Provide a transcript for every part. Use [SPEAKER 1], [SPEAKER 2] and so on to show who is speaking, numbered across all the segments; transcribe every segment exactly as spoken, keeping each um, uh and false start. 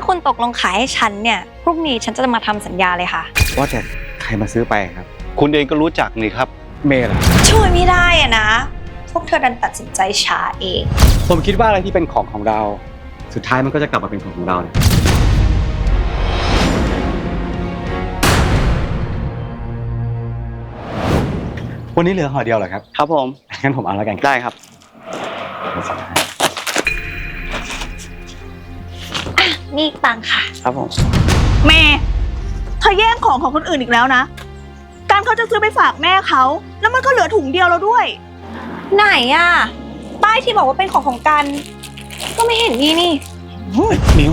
[SPEAKER 1] คุณตกลงขายให้ฉันเนี่ยพรุ่งนี้ฉันจะมาทำสัญญาเลยค่ะ
[SPEAKER 2] ว่าแต่ใครมาซื้อไปครับ
[SPEAKER 3] คุณเองก็รู้จักนี่ครับ
[SPEAKER 2] เมย์เหรอ
[SPEAKER 1] ช่วยไม่ได้อะนะพวกเธอดันตัดสินใจช้าเอง
[SPEAKER 2] ผมคิดว่าอะไรที่เป็นของของเราสุดท้ายมันก็จะกลับมาเป็นของของเราเนี่ยวันนี้เหลือห่อเดียวเหรอครับ
[SPEAKER 3] ครับผม
[SPEAKER 2] งั้นผมเอาแล้วกัน
[SPEAKER 3] ได้ครับ
[SPEAKER 1] นี่ตังค่ะ
[SPEAKER 3] ครับผม
[SPEAKER 4] เมย์เธอแย่งของของคนอื่นอีกแล้วนะการเขาจะซื้อไปฝากแม่เขาแล้วมันก็เหลือถุงเดียวแล้วด้วย
[SPEAKER 1] ไหนอะป้ายที่บอกว่าเป็นของของกันก็ไม่เห็นนี่นี่
[SPEAKER 2] มิว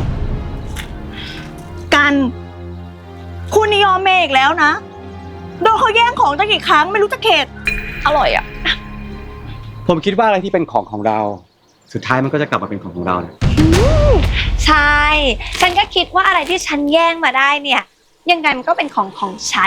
[SPEAKER 4] กันคุณนิยมเมย์อีกแล้วนะโดนเขาแย่งของตั้งกี่ครั้งไม่รู้จะเข็ด
[SPEAKER 1] อร่อยอะ
[SPEAKER 2] ผมคิดว่าอะไรที่เป็นของของเราสุดท้ายมันก็จะกลับมาเป็นของของเราเนี่ย
[SPEAKER 1] ใช่ฉันก็คิดว่าอะไรที่ฉันแย่งมาได้เนี่ยยังไงมันก็เป็นของของฉัน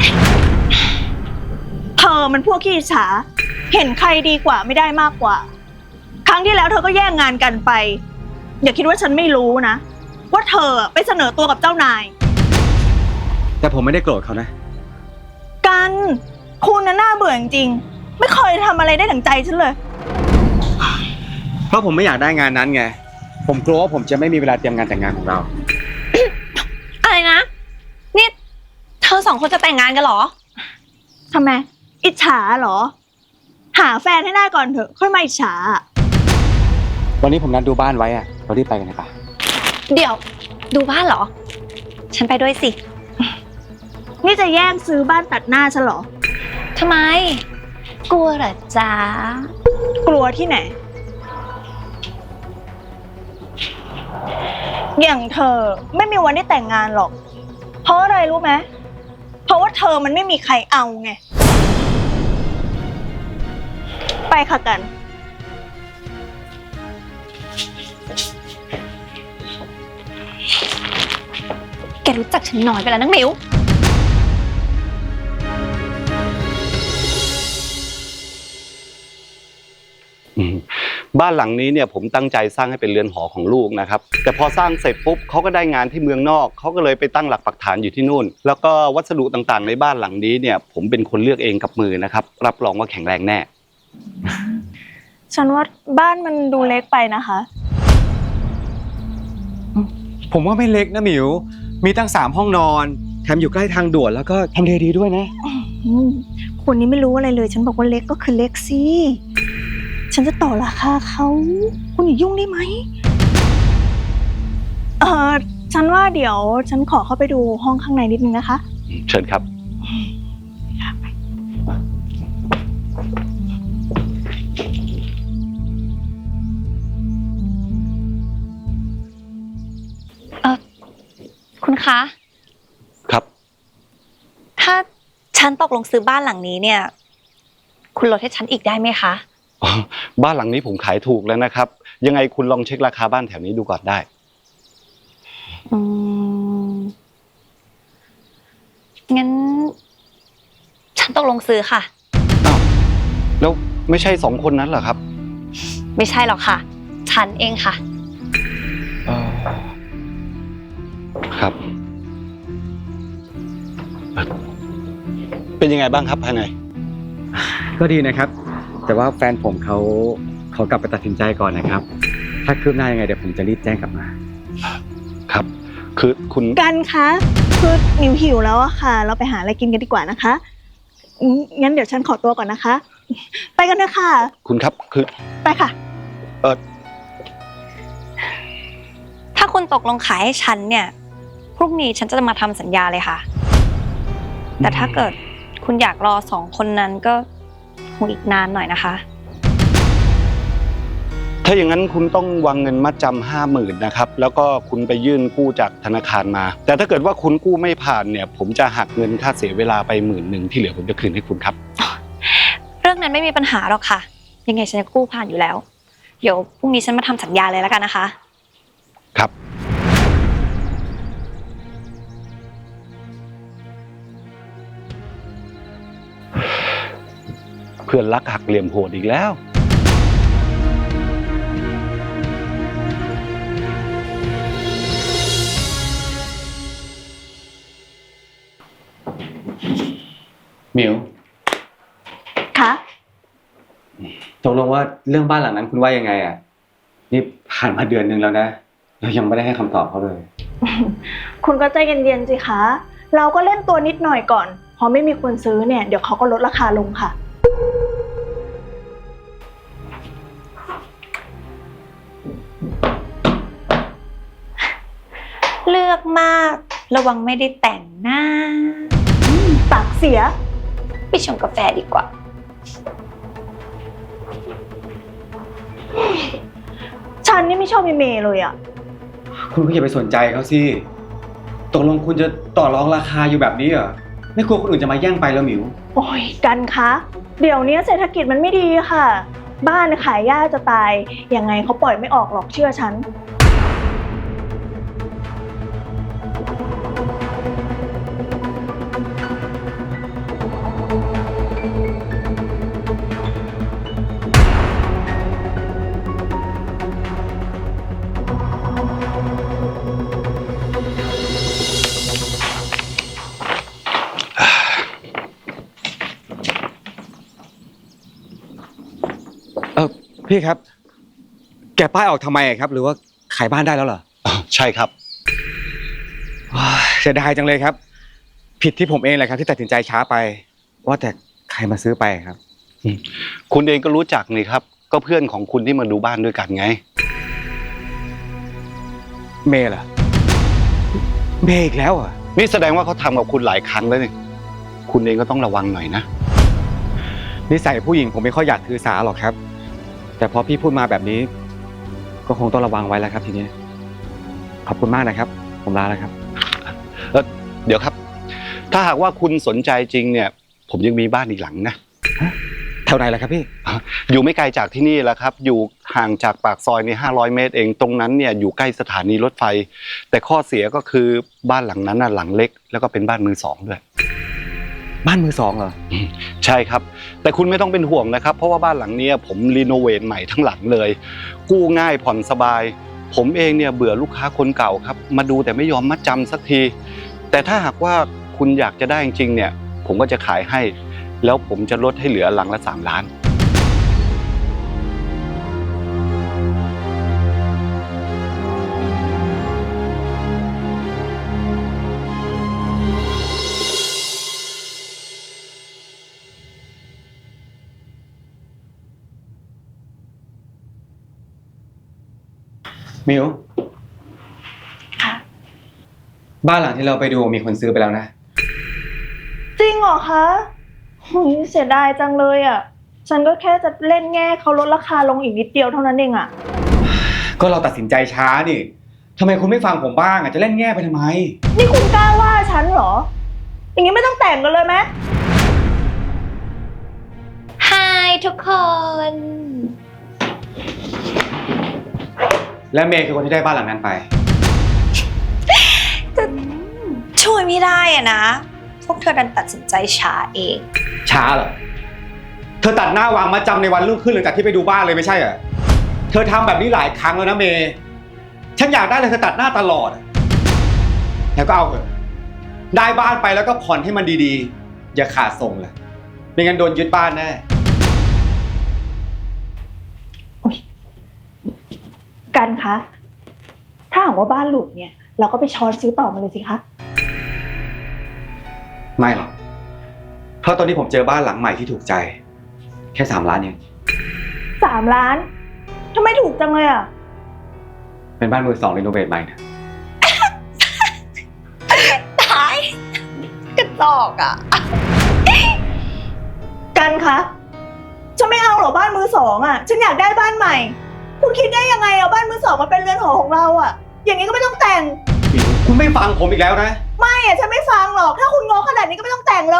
[SPEAKER 4] เธอมันพวกขี้อิจฉาเห็นใครดีกว่าไม่ได้มากกว่าครั้งที่แล้วเธอก็แย่งงานกันไปอย่าคิดว่าฉันไม่รู้นะว่าเธอไปเสนอตัวกับเจ้านาย
[SPEAKER 2] แต่ผมไม่ได้โกรธเขานะ
[SPEAKER 4] กันคุณน่ะน่าเบื่อจริงๆไม่เคยทำอะไรได้ดั่งใจฉันเลย
[SPEAKER 2] เพราะผมไม่อยากได้งานนั้นไงผมกลัวว่าผมจะไม่มีเวลาเตรียมงานแต่งงานของเรา
[SPEAKER 1] อะไรนะนี่เธอสองคนจะแต่งงานกันเหรอ
[SPEAKER 4] ทำไมอิจฉาเหรอหาแฟนให้ได้ก่อนเถอะค่อยมาอิจฉา
[SPEAKER 2] วันนี้ผมนัดดูบ้านไว้อะเรารีบไปกันนะคะ
[SPEAKER 1] เดี๋ยวดูบ้านเหรอฉันไปด้วยสิ
[SPEAKER 4] นี่จะแย่งซื้อบ้านตัดหน้าฉันเหรอ
[SPEAKER 1] ทำไมกลัวเหรอจ๊ะ
[SPEAKER 4] กลัวที่ไหนอย่างเธอไม่มีวันได้แต่งงานหรอกเพราะอะไรรู้ไหมเพราะว่าเธอมันไม่มีใครเอาไงไปค่ะกัน
[SPEAKER 1] แกรู้จักฉันน้อยไปแล้วนักมิว
[SPEAKER 3] บ้านหลังนี้เนี่ยผมตั้งใจสร้างให้เป็นเรือนหอของลูกนะครับแต่พอสร้างเสร็จปุ๊บเขาก็ได้งานที่เมืองนอกเขาก็เลยไปตั้งหลักปักฐานอยู่ที่นู่นแล้วก็วัสดุต่างๆในบ้านหลังนี้เนี่ยผมเป็นคนเลือกเองกับมือนะครับรับรองว่าแข็งแรงแน่
[SPEAKER 4] ฉันว่าบ้านมันดูเล็กไปนะคะ
[SPEAKER 2] ผมว่าไม่เล็กนะหมิวมีตั้งสามห้องนอนแถมอยู่ใกล้ทางด่วนแล้วก็ทำเลดีด้วยนะ
[SPEAKER 4] คนนี้ไม่รู้อะไรเลยฉันบอกว่าเล็กก็คือเล็กสิฉันจะต่อราคาเขาคุณอย่ายุ่งได้ไหมเออฉันว่าเดี๋ยวฉันขอเข้าไปดูห้องข้างในนิดนึงนะคะ
[SPEAKER 3] เชิญครับ
[SPEAKER 1] เออคุณคะ
[SPEAKER 3] ครับ
[SPEAKER 1] ถ้าฉันตกลงซื้อบ้านหลังนี้เนี่ยคุณลดให้ฉันอีกได้ไหมคะ
[SPEAKER 3] บ้านหลังนี้ผมขายถูกแล้วนะครับยังไงคุณลองเช็คราคาบ้านแถวนี้ดูก่อนได้
[SPEAKER 1] อืมงั้นฉันตกลงซื้อค่ะ
[SPEAKER 3] อ้าวแล้วไม่ใช่สองคนนั้นเหรอครับ
[SPEAKER 1] ไม่ใช่หรอกค่ะฉันเองค่ะ
[SPEAKER 3] ครับเป็นยังไงบ้างครับภายใน
[SPEAKER 2] ก็ดีนะครับแต่ว่าแฟนผมเขาเขากลับไปตัดสินใจก่อนนะครับถ้าคืบหน้ายังไงเดี๋ยวผมจะรีบแจ้งกลับมา
[SPEAKER 3] ครับคือคุณ
[SPEAKER 4] กันคะคือนิวหิวแล้วอะค่ะเราไปหาอะไรกินกันดีกว่านะคะงั้นเดี๋ยวฉันขอตัวก่อนนะคะไปกันเถอะค่ะ
[SPEAKER 3] คุณครับคือ
[SPEAKER 4] ไปค่ะ
[SPEAKER 3] เออ
[SPEAKER 1] ถ้าคุณตกลงขายให้ฉันเนี่ยพรุ่งนี้ฉันจะมาทำสัญญาเลยค่ะแต่ถ้าเกิดคุณอยากรอสองคนนั้นก็คงอีกนานหน่อยนะคะ
[SPEAKER 3] ถ้าอย่างนั้นคุณต้องวางเงินมัดจำห้าหมื่นนะครับแล้วก็คุณไปยื่นกู้จากธนาคารมาแต่ถ้าเกิดว่าคุณกู้ไม่ผ่านเนี่ยผมจะหักเงินค่าเสียเวลาไปหมื่นหนึ่งที่เหลือผมจะคืนให้คุณครับ
[SPEAKER 1] เรื่องนั้นไม่มีปัญหาหรอกค่ะยังไงฉันจะกู้ผ่านอยู่แล้วเดี๋ยวพรุ่งนี้ฉันมาทำสัญญาเลยแล้วกันนะคะ
[SPEAKER 3] ครับเพื่อนรักหักเหลี่ยมโหดอีกแล้ว
[SPEAKER 2] หมิว
[SPEAKER 4] คะ
[SPEAKER 2] ตกลงว่าเรื่องบ้านหลังนั้นคุณว่ายังไงอ่ะนี่ผ่านมาเดือนนึงแล้วนะเรายังไม่ได้ให้คำตอบเขาเลย
[SPEAKER 4] คุณก็ใจเย็นๆสิคะ เราก็เล่นตัวนิดหน่อยก่อน พอไม่มีคนซื้อเนี่ย เดี๋ยวเขาก็ลดราคาลงค่ะ
[SPEAKER 1] เลือกมากระวังไม่ได้แต่งหน้า
[SPEAKER 4] ปากเสีย
[SPEAKER 1] ไปชงกาแฟดีกว่า
[SPEAKER 4] ฉันนี่ไม่ชอบมีเมย์เลยอะ
[SPEAKER 2] คุณก็อย่าไปสนใจเขาสิตกลงคุณจะต่อรองราคาอยู่แบบนี้เหรอไม่กลัวคนอื่นจะมาแย่งไปแล้วหมิว
[SPEAKER 4] โอ้ยกันคะ เดี๋ยวนี้เศรษฐกิจมันไม่ดีค่ะ บ้านขายยากจะตาย ยังไงเขาปล่อยไม่ออกหรอกเชื่อฉัน
[SPEAKER 2] เออพี่ครับ แกะป้ายออกทำไมครับ หรือว่าขายบ้านได้แล้วเหรอ
[SPEAKER 3] ใช่ครับ
[SPEAKER 2] ว้ายเสียดายจังเลยครับ ผิดที่ผมเองแหละครับที่ตัดสินใจช้าไป ว่าแต่ใครมาซื้อไปครับ
[SPEAKER 3] คุณเองก็รู้จักนี่ครับ ก็เพื่อนของคุณที่มาดูบ้านด้วยกันไง
[SPEAKER 2] เมย์เหรอเมย์อีกแล้วเหรอ่ะ
[SPEAKER 3] นี่แสดงว่าเขาทำกับคุณหลายครั้งแล้วนี่คุณเองก็ต้องระวังหน่อยนะ
[SPEAKER 2] นิสัยผู้หญิงผมไม่ค่อยอยากถือสาหรอกครับ แต่พอพี่พูดมาแบบนี้ ก็คงต้องระวังไว้แล้วครับทีนี้ขอบคุณมากนะครับ ผมลาแล้วครับ
[SPEAKER 3] เออเดี๋ยวครับ ถ้าหากว่าคุณสนใจจริงเนี่ย ผมยังมีบ้านอีกหลังนะ
[SPEAKER 2] แถวไหนล่ะครับพี่
[SPEAKER 3] อยู่ไม่ไกลจากที่นี่แหละครับ อยู่ห่างจากปากซอยนี่ห้าร้อยเมตรเองตรงนั้นเนี่ยอยู่ใกล้สถานีรถไฟ แต่ข้อเสียก็คือบ้านหลังนั้นน่ะหลังเล็ก แล้วก็เป็นบ้านมือสองด้วย
[SPEAKER 2] บ้านมือสองเหรอ
[SPEAKER 3] ใช่ครับ แต่คุณไม่ต้องเป็นห่วงนะครับ เพราะว่าบ้านหลังเนี้ยผมรีโนเวทใหม่ทั้งหลังเลย กู้ง่ายผ่อนสบาย ผมเองเนี่ยเบื่อลูกค้าคนเก่าครับ มาดูแต่ไม่ยอมมัดจำสักที แต่ถ้าหากว่าคุณอยากจะได้จริงๆเนี่ย ผมก็จะขายให้ แล้วผมจะลดให้เหลือหลังละสามล้าน
[SPEAKER 2] มิว
[SPEAKER 4] ค่ะ
[SPEAKER 2] บ้านหลังที่เราไปดูมีคนซื้อไปแล้วนะ
[SPEAKER 4] จริงเหรอคะหุยเสียดายจังเลยอะฉันก็แค่จะเล่นแง่เขาลดราคาลงอีกนิดเดียวเท่านั้นเองอะ
[SPEAKER 2] ก็เราตัดสินใจช้านี่ทำไมคุณไม่ฟังผมบ้างอ่ะจะเล่นแง่ไปทำไม
[SPEAKER 4] นี่คุณกล้าว่าฉันเหรอ อย่างนี้ไม่ต้องแต่งกันเลยไหม
[SPEAKER 1] ฮายทุกคน
[SPEAKER 2] และเมย์คือคนที่ได้บ้านหลังนั้นไป
[SPEAKER 1] จะช่วยไม่ได้อะนะ พวกเธอดันตัดสินใจช้าเอง
[SPEAKER 2] ช้าเหรอ เธอตัดหน้าวางมาจำในวันรุ่งขึ้นหลังจากที่ไปดูบ้านเลยไม่ใช่เหรอ เธอทำแบบนี้หลายครั้งแล้วนะเมย์ฉันอยากได้เลยเธอตัดหน้าตลอดแล้วก็เอาเถอะได้บ้านไปแล้วก็ผ่อนให้มันดีๆ อย่าขาดส่งเลยไม่งั้นโดนยึดบ้านแน่
[SPEAKER 4] กันคะ ถ้าหากว่าบ้านหลุดเนี่ย เราก็ไปช้อนซื้อต่อมาเลยสิคะ
[SPEAKER 2] ไม่หรอก เพราะตอนนี้ผมเจอบ้านหลังใหม่ที่ถูกใจ แค่สามล้านเอง
[SPEAKER 4] สามล้านทำไมถูกจังเลยอะ
[SPEAKER 2] เป็นบ้านมือสองรีโนเวทใหม่นะ
[SPEAKER 1] ตายกระจอกอ่ะ
[SPEAKER 4] กันคะ ฉันไม่เอาหรอกบ้านมือสองอะฉันอยากได้บ้านใหม่ คุณคิดได้ยังไงเอาบ้านมือสองมาเป็นเรือนหอของเราอะอย่างนี้ก็ไม่ต้องแต่ง
[SPEAKER 2] คุณไม่ฟังผมอีกแล้วนะ
[SPEAKER 4] ไม่อะฉันไม่ฟังหรอก ถ้าคุณงงขนาดนี้ก็ไม่ต้องแต่งเลย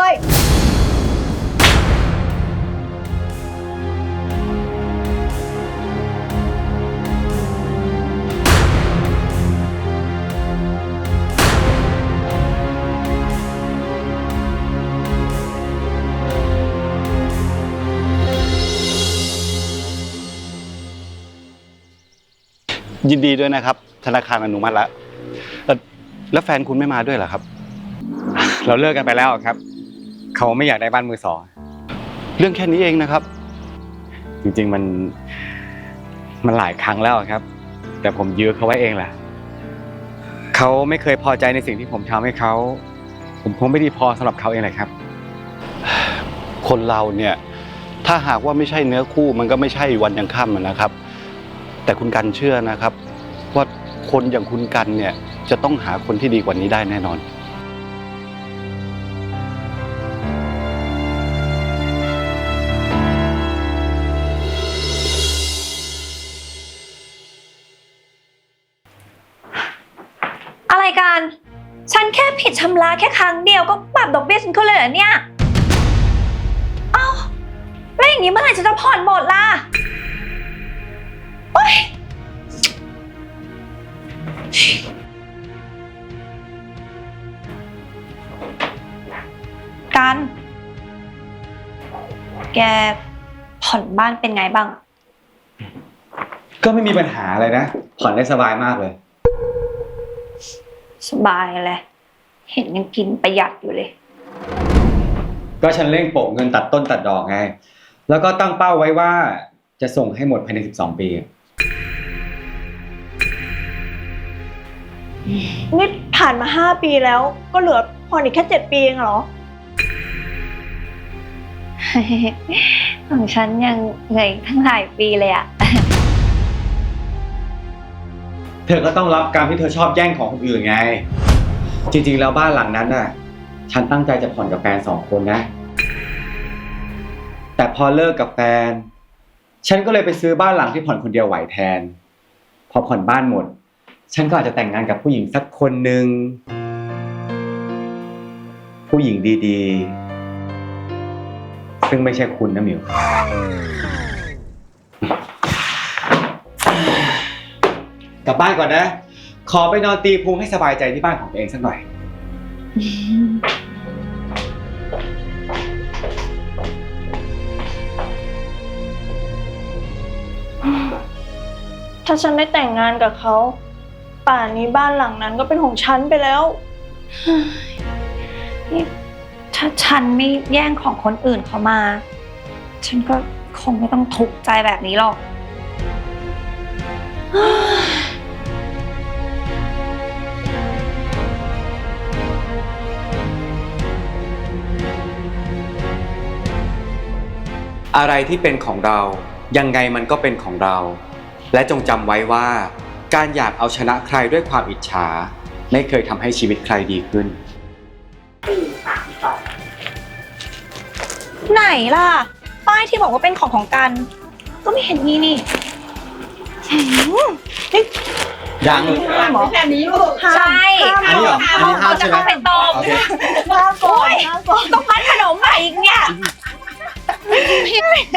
[SPEAKER 3] ยินดีด้วยนะครับ ธนาคารอนุมัติแล้วเอ่อแล้วแฟนคุณไม่มาด้วยเหรอครับ
[SPEAKER 2] เราเลิกกันไปแล้วครับเขาไม่อยากได้บ้านมือสอง
[SPEAKER 3] เรื่องแค่นี้เองนะครับ
[SPEAKER 2] จริงๆมันมันหลายครั้งแล้วครับ แต่ผมยื้อเขาไว้เองแหละเขาไม่เคยพอใจในสิ่งที่ผมทำให้เขาผมคงไม่ดีพอสำหรับเขาเองแหละครับ
[SPEAKER 3] คนเราเนี่ยถ้าหากว่าไม่ใช่เนื้อคู่มันก็ไม่ใช่วันยังค่ำอะนะครับ แต่คุณกันเชื่อนะครับ ว่าคนอย่างคุณกันเนี่ยจะต้องหาคนที่ดีกว่านี้ได้แน่นอน
[SPEAKER 1] อะไรกัน ฉันแค่ผิดชำระแค่ครั้งเดียวก็ปรับดอกเบี้ยฉันขึ้นเลยเหรอเนี่ย เอ้าแล้วอย่างนี้เมื่อไหร่ฉันจะผ่อนหมดล่ะโอ๊ยกัน แกผ่อนบ้านเป็นไงบ้าง
[SPEAKER 2] ก็ไม่มีปัญหาอะไรนะผ่อนได้สบายมากเลย
[SPEAKER 1] สบายเลย เห็นยังกินประหยัดอยู่เลย
[SPEAKER 2] ก็ฉันเร่งโปะเงินตัดต้นตัดดอกไงแล้วก็ตั้งเป้าไว้ว่าจะส่งให้หมดภายในสิบสองปี
[SPEAKER 4] นี่ผ่านมาห้าปีแล้วก็เหลือผ่อนอีกแค่เจ็ดปีเองเหรอ
[SPEAKER 1] ของฉันยังเหนื่อยทั้งหลายปีเลยอะ
[SPEAKER 2] เธอก็ต้องรับกรรมที่เธอชอบแย่งของคนอื่นไงจริงๆแล้วบ้านหลังนั้นน่ะฉันตั้งใจจะผ่อนกับแฟนสองคนนะแต่พอเลิกกับแฟนฉันก็เลยไปซื้อบ้านหลังที่ผ่อนคนเดียวไหวแทนพอผ่อนบ้านหมดฉันก็อาจจะแต่งงานกับผู้หญิงสักคนหนึ่งผู้หญิงดีๆซึ่งไม่ใช่คุณนะมิวกลับบ้านก่อนนะขอไปนอนตีพุงให้สบายใจที่บ้านของตัวเองสักหน่อย
[SPEAKER 4] ถ้าฉันได้แต่งงานกับเขาป่านนี้บ้านหลังนั้นก็เป็นของฉันไปแล้ว
[SPEAKER 1] นี่ถ้าฉันไม่แย่งของคนอื่นเขามา ฉันก็คงไม่ต้องทุกข์ใจแบบนี้หรอก
[SPEAKER 2] อะไรที่เป็นของเรายังไงมันก็เป็นของเราและจงจำไว้ว่าการอยากเอาชนะใครด้วยความอิจฉาไม่เคยทำให้ชีวิตใครดีขึ้น
[SPEAKER 1] ไหนล่ะ ป้ายที่บอกว่าเป็นของของกัน ก็ไม่เห็นมีนี่หืมนี่
[SPEAKER 2] ยัง
[SPEAKER 4] แค่นี้ลูก
[SPEAKER 1] ใช่
[SPEAKER 2] อันนี้เหรออันนี้ห้ามใช่ไหม
[SPEAKER 1] จะเข้าไปตรง
[SPEAKER 2] โอเค
[SPEAKER 4] ลาก่อนลาก่อน
[SPEAKER 1] ต้องพัดขนมใหม่อีกเนี่ย